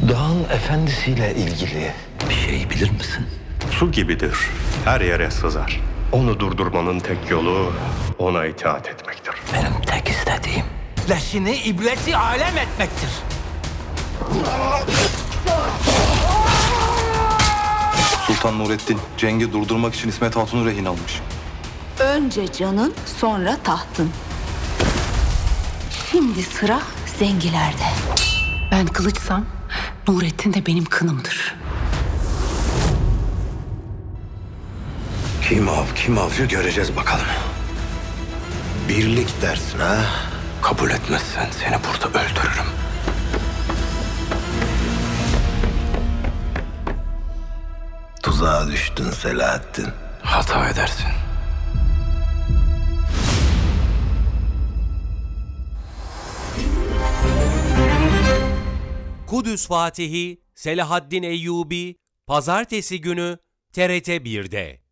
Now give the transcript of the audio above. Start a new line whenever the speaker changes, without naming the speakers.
Dağın efendisiyle ilgili bir şey bilir misin?
Su gibidir. Her yere sızar. Onu durdurmanın tek yolu ona itaat etmektir.
Benim tek istediğim
Leşini ibreti alem etmektir.
Sultan Nurettin cengi durdurmak için İsmet Hatun'u rehin almış.
Önce canın, sonra tahtın. Şimdi sıra zengilerde.
Ben kılıçsam Nurettin de benim kınımdır.
kim av kim avcı göreceğiz bakalım. Birlik dersin ha? Kabul etmezsen seni burada öldürürüm. Tuzağa düştün Selahattin. Hata edersin.
Kudüs Fatihi Selahaddin Eyyubi Pazartesi günü TRT 1'de.